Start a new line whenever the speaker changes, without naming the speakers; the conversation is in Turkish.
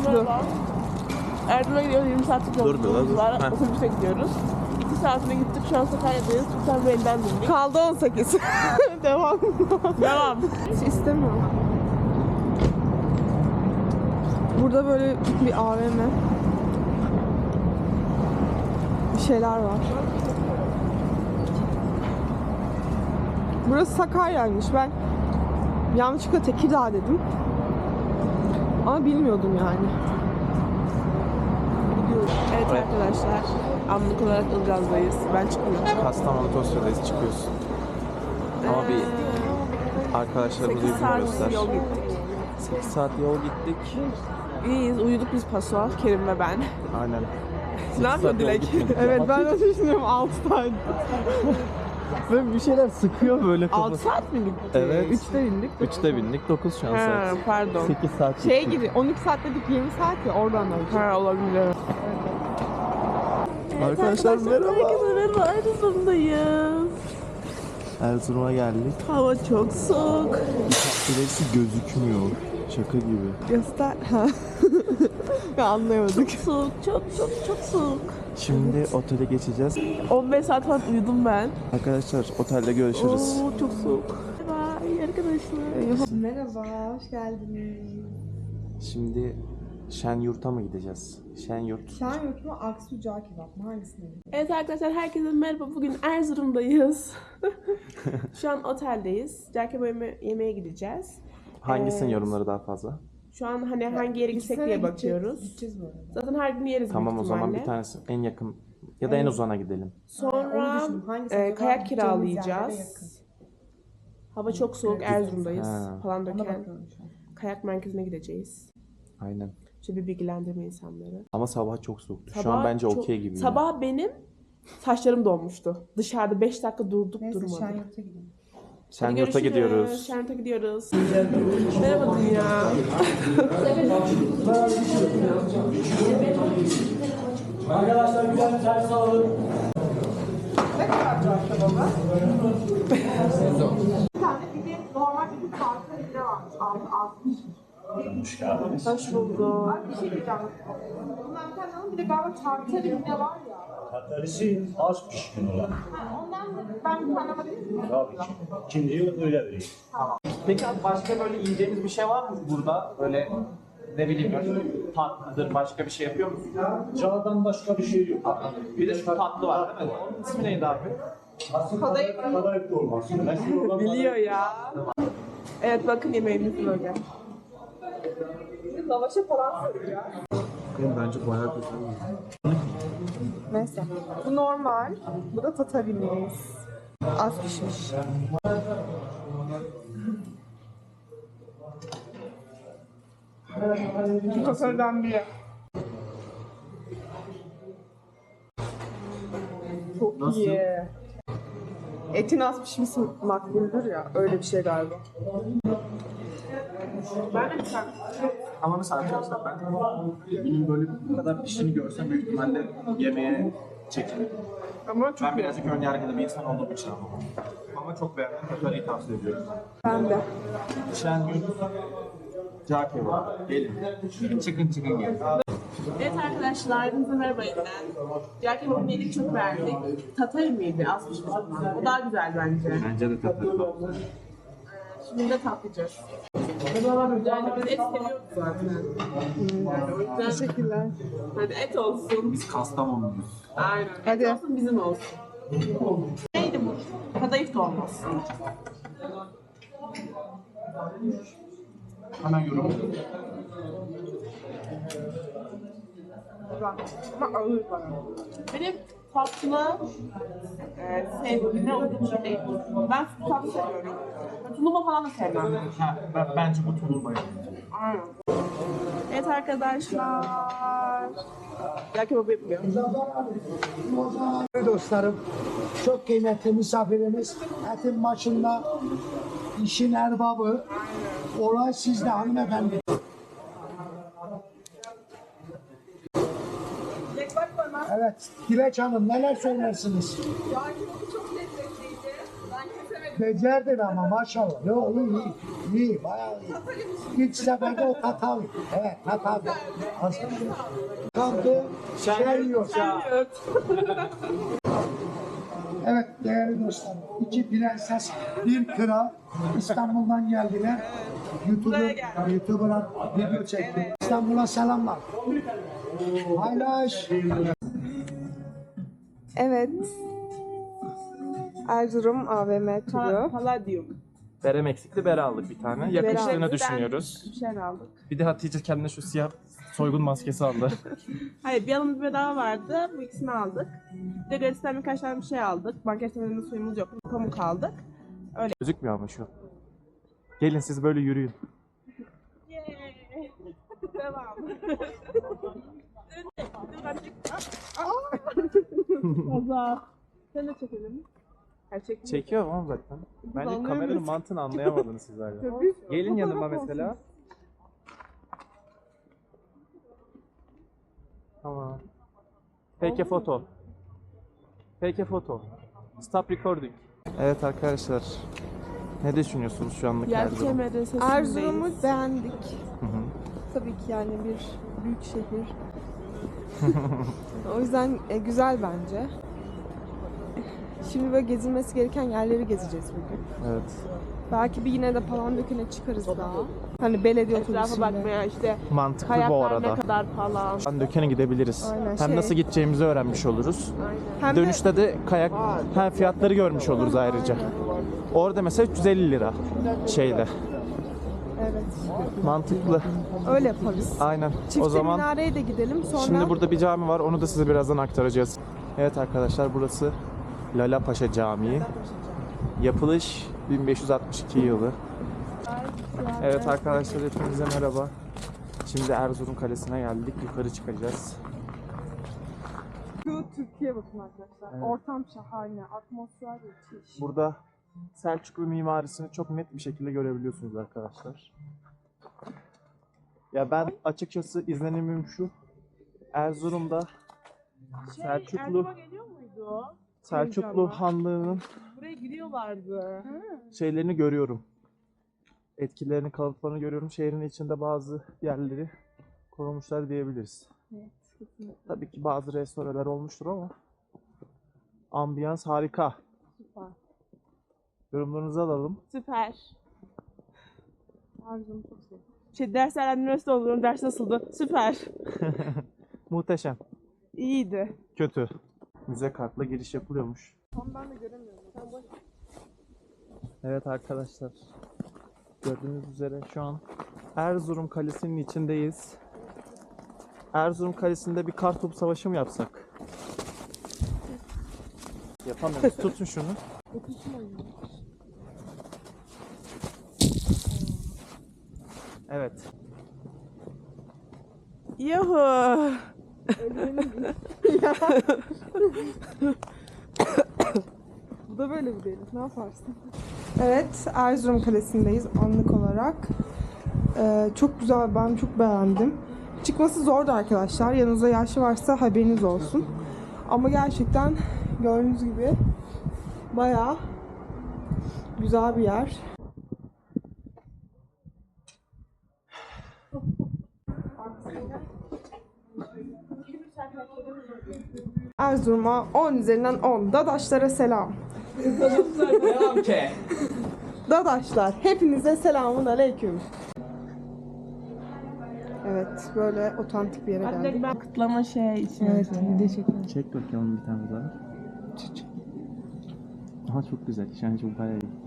uçtu.
Erzurum'a gidiyoruz, 20 saatlik yolculuğumuz var. Otobüse gidiyoruz. 2 saatine gittik, şu an Sakarya'dayız. Sultanbeyli'den bindik.
Kaldı 18. Devam.
Devam.
Hiç istemiyorum. Burada böyle bir AVM. Bir şeyler var. Burası Sakarya'ymış. Ben yanlışlıkla Tekirdağ dedim. Ama bilmiyordum yani.
Evet arkadaşlar, anlık olarak Ilgaz'dayız. Ben çıkmıyorum.
Kastamonu Tosya'dayız, çıkıyorsun. Ama bir arkadaşlarımızı
8
yüzünü
saat
göster.
yol gittik.
8 saat yol gittik.
İyiyiz, uyuduk biz paso, Kerim ve ben.
Aynen.
Ne yapıyor Dilek?
Evet ben de düşünüyorum 6 saat.
Böyle bir şeyler sıkıyor böyle
6 saat mi gittik?
Evet.
3'te indik.
3'te bindik, 9 şu an
Ha,
saat.
pardon.
8 saat
Şey
gittik.
gibi 12 saat dedik 20 saat ya oradan da önce.
Ha, olabilir.
Arkadaşlar merhaba.
Herkese merhaba, Erzurum'dayız.
Erzurum'a geldik.
Hava çok soğuk.
Birisi gözükmüyor. Şaka gibi.
Göster. Ha. Ya anlayamadık.
Soğuk, çok soğuk.
Şimdi otele geçeceğiz.
15 saat falan uyudum ben.
Arkadaşlar otelde görüşürüz.
Oo, çok soğuk. Bye arkadaşlar.
Merhaba, hoş geldiniz.
Şimdi Şenyurt'a mı gideceğiz? Şenyurt.
Şenyurt mu, Aksu Cağ Kebap mı? Hangisini?
Evet arkadaşlar, herkese merhaba. Bugün Erzurum'dayız. Şu an oteldeyiz. Cerkebo yemeğe gideceğiz.
Hangisinin yorumları daha fazla?
Şu an hani hangi yere gitsek diye bakıyoruz.
Gideceğiz bu arada.
Zaten her gün yeriz
Tamam, o
büyük
zaman
ihtimalle.
bir tanesi en yakın ya da en uzana gidelim.
Sonra
Onu düşündüm. Hangisi acaba?
kayak
Gideceğimiz yerlere
kiralayacağız.
yakın.
Hava çok soğuk, Erzurum'dayız.
Ha.
Falan
Ona
döken.
bakıyorum şu an.
Kayak merkezine gideceğiz.
Aynen.
Şöyle bir bilgilendirme insanları.
Ama sabah çok soğuktu. Şu
Sabah
an bence
çok-
okey gibi.
Sabah benim saçlarım donmuştu. Dışarıda 5 dakika durduk
Neyse
durmadık.
Şenyurt'a gidelim.
Şenyurt'a gidiyoruz.
Şenyurt'a gidiyoruz. Merhaba dünya.
Arkadaşlar güzel bir servis alalım.
Ne kadar cağ kebabı? Bir tane bir de normal bir tartı bile varmış. Altmış.
Hoş geldiniz.
Hoş bulduk.
Abi bir şey diyeceğim. Bundan bir tane alın, bir de galiba tartı bile var ya.
Katarisi az pişkin olan.
Ondan ben bir tane alabilir miyim?
Tabii ki. İkinciyi öyle vereyim.
Peki abi başka böyle yiyeceğimiz bir şey var mı burada? Böyle ne bileyim böyle tatlıdır, başka bir şey yapıyor musun?
Cağdan başka bir şey yok.
Bir de şu tatlı var değil mi? Onun ismi neydi abi?
Kadayıf dolması. Meşhur olan
Biliyor ya. Evet bakın yemeğimiz böyle.
Lavaşa falan sarıyor.
Bence bayağı güzel.
Neyse. Bu normal. Bu da tatarimiz. Az pişmiş. Tatardan bir. Çok iyi. Etin az pişmesi makbuldür ya. Öyle bir şey galiba.
Ben de bir tane.
Ama mesela arkadaşlar ben bunun böyle bu kadar piştiğini görsem büyük ihtimalle yemeğe çekinirim.
Ama çok
Ben birazcık ön yargılı bir insan olduğum için ama çok beğendim. Katarıyı tavsiye ediyorum.
ben de.
Şenyurt, cağ kebabı. Gelin. Çıkın gelin.
Evet arkadaşlar, hepinize merhaba yeniden. Diğer kebabını yedik, çok beğendik. Tatar mıydı? Az pişmiş olan. O daha güzel bence.
Bence de tatlı.
Şimdi de tatlayacağız. Yani biz et seviyoruz zaten. Yani o yüzden
Teşekkürler.
hadi et olsun.
Biz Kastamonluyuz.
Aynen.
Hadi.
Et olsun, bizim olsun. Neydi bu? Kadayıf dolması.
Hemen yorum.
Ama ağır bana.
Benim tatlı sevdiğime uygun bir şey değil. Ben süt tatlı seviyorum. Tulumba falan da sevmem.
Ha, bence bu tulumbayı.
Aynen. Evet arkadaşlar. Ya kebabı yapılıyor.
Dostlarım, çok kıymetli misafirimiz, etin başında, işin erbabı, olay sizde hanımefendi. Evet, Dilek Hanım neler söylersiniz?
Çok lezzetliydi. Ben kesemedim.
Becerdin ama maşallah. Yok iyi, iyi. İyi, bayağı iyi. İlk seferde o Tatavi. Evet, Tatavi. Aslında kaldı, şey yok. Evet değerli dostlar, iki prenses, bir kral İstanbul'dan geldiler. YouTuber'a video çekti. İstanbul'a selamlar. Paylaş.
Evet. Erzurum AVM turu.
Palladium.
Berem eksikti, bere aldık bir tane. Yakıştığını düşünüyoruz.
Bir şey aldık.
Bir de Hatice kendine şu siyah soygun maskesi aldı.
Hayır, bir alımız bedava vardı. Bu ikisini aldık. Bir de Gratis'ten birkaç tane bir şey aldık. Banka sisteminde suyumuz yok. Pamuk aldık.
Gözükmüyor ama şu. Gelin siz böyle yürüyün.
Devam. Azar. Sen de çekelim. Gerçek
Çekiyor ama zaten. Bence
anlayamıyoruz.
kameranın mantığını anlayamadınız siz hala. Gelin yanıma mesela. Tamam. Peki foto. Peki foto. Stop recording. Evet arkadaşlar. Ne düşünüyorsunuz şu anlık Erzurum?
Yelke Medresesi'ndeyiz.
Erzurum'u beğendik.
Hı hı.
Tabii ki yani bir büyük şehir. O yüzden güzel bence. Şimdi böyle gezilmesi gereken yerleri gezeceğiz bugün.
Evet.
Belki bir yine de Palandöken'e çıkarız daha. Hani belediye
Etrafa
otobüsüyle.
bakmaya işte
Mantıklı bu
kayaklar
arada.
ne kadar falan.
Döken'e gidebiliriz.
Aynen,
Hem
şey-
nasıl gideceğimizi öğrenmiş oluruz.
Hem de
Dönüşte de kayak hem fiyatları görmüş oluruz ayrıca. Orada mesela 350 lira şeyde.
evet.
Mantıklı.
Öyle yaparız.
Aynen.
Çifte
O zaman
Minare'ye de gidelim. Sonra
şimdi burada bir cami var. Onu da size birazdan aktaracağız. Evet arkadaşlar burası Lala Paşa Camii. Yapılış 1562 yılı. Evet arkadaşlar hepinize merhaba. Şimdi Erzurum Kalesi'ne geldik. Yukarı çıkacağız.
şu Türkiye bakın arkadaşlar.
Evet.
Ortam şahane, atmosfer müthiş.
Burada Selçuklu mimarisini çok net bir şekilde görebiliyorsunuz arkadaşlar. Ya ben açıkçası izlenimim şu. Erzurum'da Selçuklu
Erzurum'a geliyor muydu?
Selçuklu Hanlığı'nın
Buraya gidiyorlardı.
şeylerini görüyorum. Etkilerini, kalıntılarını görüyorum. Şehrin içinde bazı yerleri korumuşlar diyebiliriz.
Evet, kesinlikle.
Tabii ki bazı restoranlar olmuştur ama ambiyans harika.
Süper.
Yorumlarınızı alalım.
Süper.
Erzurum'u çok sevdim.
Derslerden üniversite oluyorum. Ders nasıldı? Süper.
Muhteşem.
İyiydi.
Kötü. Müze kartla giriş yapılıyormuş.
Tam ben de göremiyorum.
Evet arkadaşlar. Gördüğünüz üzere şu an Erzurum Kalesi'nin içindeyiz. Erzurum Kalesi'nde bir kartopu savaşı mı yapsak? Yapamıyoruz. Tutun şunu. Evet.
Yuhu.
Bu da böyle bir değil. Ne yaparsın? Evet, Erzurum Kalesi'ndeyiz anlık olarak. Çok güzel, ben çok beğendim. Çıkması zordu arkadaşlar. Yanınızda yaşlı varsa haberiniz olsun. Ama gerçekten gördüğünüz gibi bayağı güzel bir yer. Erzurum'a 10 üzerinden 10. Dadaşlara selam.
Devam ki.
Dadaşlar, hepinize selamun aleyküm. Evet, böyle otantik bir yere
Hadi
geldik.
ben kıtlama şey için.
Evet, video çekelim.
Çek bakayım bir tane daha. Aha çok güzel. Yani çok bayağı iyi.